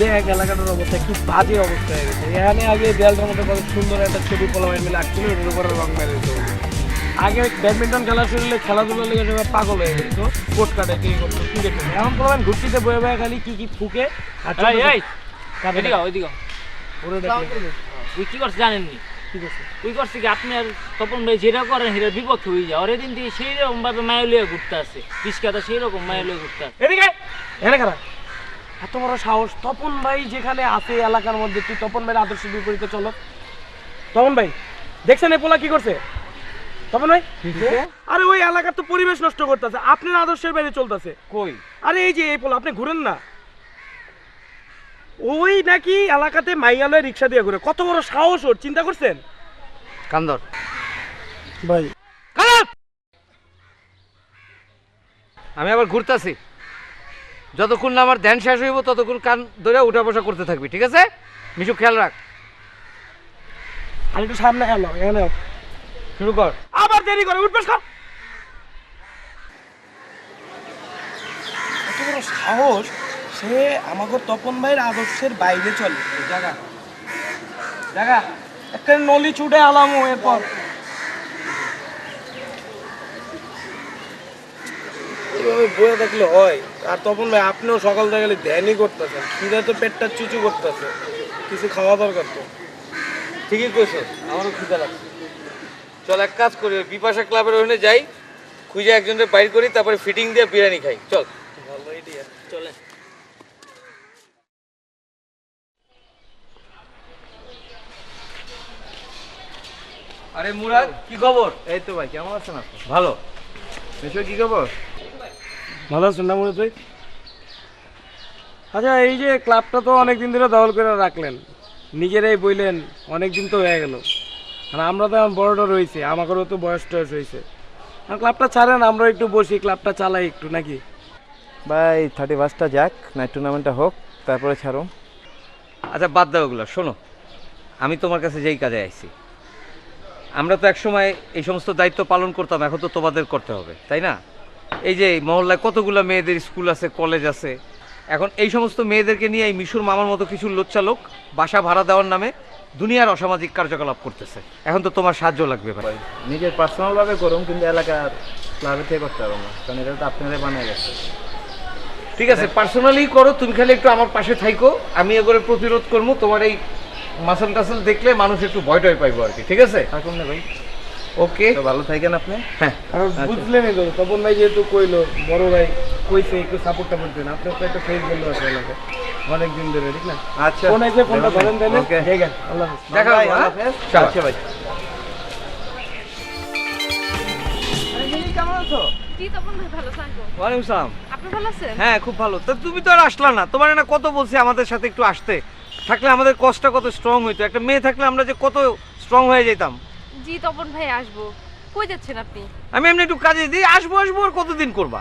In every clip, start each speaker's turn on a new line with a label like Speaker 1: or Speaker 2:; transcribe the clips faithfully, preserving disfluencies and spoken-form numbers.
Speaker 1: দেখ এলাকাটার অবস্থা একটু বাজে অবস্থা হয়ে গেছে। এখানে আগে দেয়ালটার মধ্যে কত সুন্দর একটা ছবি পোলাপাইন মিলে আঁকছিল, এটার উপরে রং মেরে দিত। আগে ব্যাডমিন্টন খেলা শুরু খেলাধুলার লেগে সবাই পাগল হয়ে যেত, কোট কাটে কি করতো ক্রিকেট খেলে। এখন পোলাপাইন ঘুরতিতে বয়ে বয়ে খালি কি কি ফুকে আর
Speaker 2: ওই কি করছে জানেননি?
Speaker 1: ঠিক আছে
Speaker 2: ওই করছে কি আপনি আর তপন ভাই যেটা করেন সেটার বিপক্ষে হয়ে যায়। ওর দিন থেকে সেই রকম ভাবে মায়া লিয়ে ঘুরতে আসছে, রিস্কাটা সেই রকম মায়া লিয়ে ঘুরতে আসছে।
Speaker 1: এদিকে এখানে খারাপ এত বড় সাহস! তপন ভাই যেখানে আছে এলাকার মধ্যে, তুই তপন ভাইয়ের আদর্শ বিপরীতে চলো। তপন ভাই দেখছেন এই পোলা কি করছে? তপন ভাই আরে ওই এলাকার তো পরিবেশ নষ্ট করতেছে, আপনার আদর্শের বাইরে চলতেছে।
Speaker 3: কই?
Speaker 1: আরে এই যে এই পোলা, আপনি ঘুরেন না, ওই নাকি এলাকাতে মাইয়ালয় রিক্সা দিয়ে ঘুরে। কত বড় সাহস ওর, চিন্তা করছেন?
Speaker 3: কান্দর
Speaker 1: ভাই
Speaker 3: আমি আবার ঘুরতেছি, যতক্ষণ না আমার ধ্যান শেষ হইব ততক্ষণ কান ধরে উঠা বসা করতে থাকবি, ঠিক আছে? মিশু খেয়াল রাখ।
Speaker 1: আর একটু সামনে এলো, এখানে
Speaker 3: শুরু কর।
Speaker 1: আবার দেরি করে উঠবেশ কর। কত বড় সাহস, সে আমাকে তপন ভাইয়ের আদর্শের বাইরে চলে।
Speaker 3: জায়গা
Speaker 1: দেখা একটা নলি ছুটে আলামো এরপর। এইভাবে বয়ে থাকলে হয়? আর তপন ভাই আপনিও সকাল থেকে গেলে ধ্যানই করতেছেন, খিদে তো পেটটা চুচু করতেছে, কিছু খাওয়া দরকার তো।
Speaker 3: ঠিকই কইছ, আমারও খিদা লাগছে। চল এক কাজ করি, ওই বিপাশা ক্লাবের ওখানে যাই, খুঁজে একজনের বাইর করি, তারপরে ফিটিং দিয়ে বিরিয়ানি খাই। চল।
Speaker 1: ভালো আইডিয়া,
Speaker 2: চলে
Speaker 3: আরে মুরাদ, কি খবর?
Speaker 4: এই তো ভাই, কেমন আছেন আপনি?
Speaker 3: ভালো।
Speaker 4: মিশু কি খবর?
Speaker 1: ভালো আছেন না মনে তুই? আচ্ছা এই যে ক্লাবটা তো অনেকদিন ধরে দখল করে রাখলেন, নিজেরাই বললেন অনেকদিন তো হয়ে গেল, আর আমরা তো এখন বড়টা রয়েছে, আমাদেরও তো বয়স টয়স হয়েছে। আর ক্লাবটা ছাড়েন, আমরা একটু বসি, ক্লাবটা চালাই একটু নাকি?
Speaker 4: ভাই থার্টি ফার্স্টটা যাক, নাইট টুর্নামেন্টটা হোক, তারপরে ছাড়ো।
Speaker 3: আচ্ছা বাদ দাও ওগুলো, শোনো, আমি তোমার কাছে যেই কাজে আইছি, আমরা তো একসময় এই সমস্ত দায়িত্ব পালন করতাম, এখন তো তোমাদের করতে হবে, তাই না? এই যে মহল্লায় কতগুলো মেয়েদের স্কুল আছে, কলেজ আছে, এখন এই সমস্ত মেয়েদেরকে নিয়ে এই মিশুর মামার মতো কিছু লোচ্চা লোক বাসা ভাড়া দেওয়ার নামে দুনিয়ার অসামাজিক কার্যকলাপ করতেছে। এখন তো তোমার সাহায্য লাগবে ভাই।
Speaker 4: নিজের পার্সোনালভাবে করুন, কিন্তু এলাকার ক্লাবে থেকে করতে পারবো না, কারণ এটা তো আপনারাই বানিয়ে গেছে।
Speaker 3: ঠিক আছে, পার্সোনালি করো, তুমি খালি একটু আমার পাশে থাইকো, আমি এগুলো প্রতিরোধ করবো। তোমার এই মাসল টাসল দেখলে মানুষ একটু ভয় টয় পাইবো আর কি, ঠিক আছে?
Speaker 4: থাকুন না ভাই,
Speaker 3: ওকে,
Speaker 4: তো ভালো থাকেন আপনি।
Speaker 3: হ্যাঁ
Speaker 1: আর বুঝলেনই তো, তপন ভাই যেহেতু কইলো, বড় ভাই কইছে একটু সাপোর্টটা করতেন, আপনার তো একটা ফেস বন্ধু আছে এলাকায় অনেকদিন ধরে, ঠিক না?
Speaker 4: আচ্ছা,
Speaker 1: ফোন আছে, ফোনটা ধরেন তাহলে।
Speaker 4: ওকে,
Speaker 1: ঠিক আছে, আল্লাহ হাফেজ।
Speaker 3: দেখা
Speaker 4: ভাই,
Speaker 3: হবে,
Speaker 4: আল্লাহ
Speaker 3: হ্যাঁ?
Speaker 4: হাফেজ।
Speaker 3: চলো।
Speaker 4: আচ্ছা ভাই।
Speaker 1: কেমন আছো?
Speaker 5: জি তপন ভাই, ভালো থাকবো।
Speaker 3: ওয়ালাইকুম সালাম।
Speaker 5: আপনি ভালো আছেন?
Speaker 3: হ্যাঁ খুব ভালো। তা তুমি তো আর আসলা না, তোমার না কত বলছি আমাদের সাথে একটু আসতে, থাকলে আমাদের কষ্টটা কত স্ট্রং হইতো। একটা মেয়ে থাকলে আমরা যে কত স্ট্রং হয়ে যেতাম।
Speaker 5: জি তপন ভাই, আসবো। কই যাচ্ছেন আপনি?
Speaker 3: আমি এমনি একটু কাজে দিই, আসবো আসবো আর কতদিন করবা?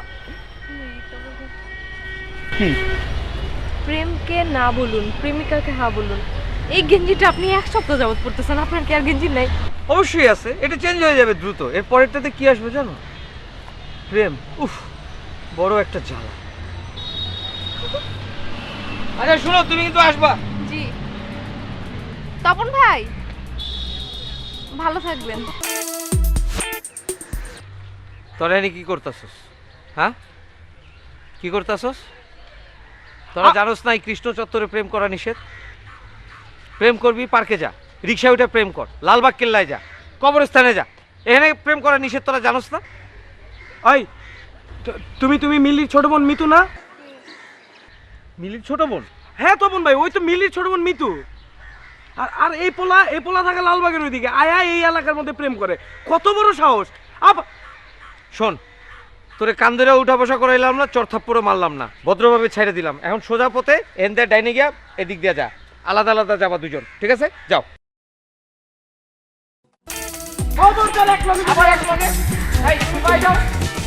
Speaker 5: প্রেমকে না বলুন, প্রেমিকাকে হ্যাঁ বলুন। এই গেঞ্জিটা আপনি এক সপ্তাহ যাবত পড়তেছেন, আপনার কি আর গেঞ্জি নাই?
Speaker 3: অবশ্যই আছে, এটা চেঞ্জ হয়ে যাবে দ্রুত। এর পরেরটাতে কি আসবে জানো? প্রেম। উফ, বড় একটা জ্বালা। আচ্ছা শুনো, তুমি কিন্তু আসবা।
Speaker 5: জি তপন ভাই, ভালো থাকবেন।
Speaker 3: তোরা এনে কি করতেছস? হ্যাঁ, কি করতেছস? তোরা জানোস না এই কৃষ্ণ চত্বরে প্রেম করা নিষেধ? প্রেম করবি পার্কে যা, রিক্সায় উঠে প্রেম কর, লালবাগ কেল্লায় যা, কবরস্থানে যা, এখানে প্রেম করা নিষেধ, তোরা জানোস না?
Speaker 1: ওই তু- তুমি তুমি মিলির ছোট বোন মিতু না?
Speaker 3: মিলির ছোট বোন?
Speaker 1: হ্যাঁ তপন ভাই, ওই তো মিলির ছোট বোন মিতু। আর আর এই পোলা, এই পোলা থাকে লালবাগের ওইদিকে, আয়া এই এলাকার মধ্যে প্রেম করে। কত বড় সাহস! আপ
Speaker 3: শোন, তোরে কান ধরে উঠা বসা করাইলাম না, চরথাপ্পড়ও মারলাম না, ভদ্রভাবে ছেড়ে দিলাম। এখন সোজা পথে এন দিয়ে ডাইনে গিয়া এদিক দিয়ে যা, আলাদা আলাদা যাবা দুজন, ঠিক আছে? যাও।
Speaker 1: খবর চলে এক লগে, আবার এক লগে। এই তুমি ভাই যাও।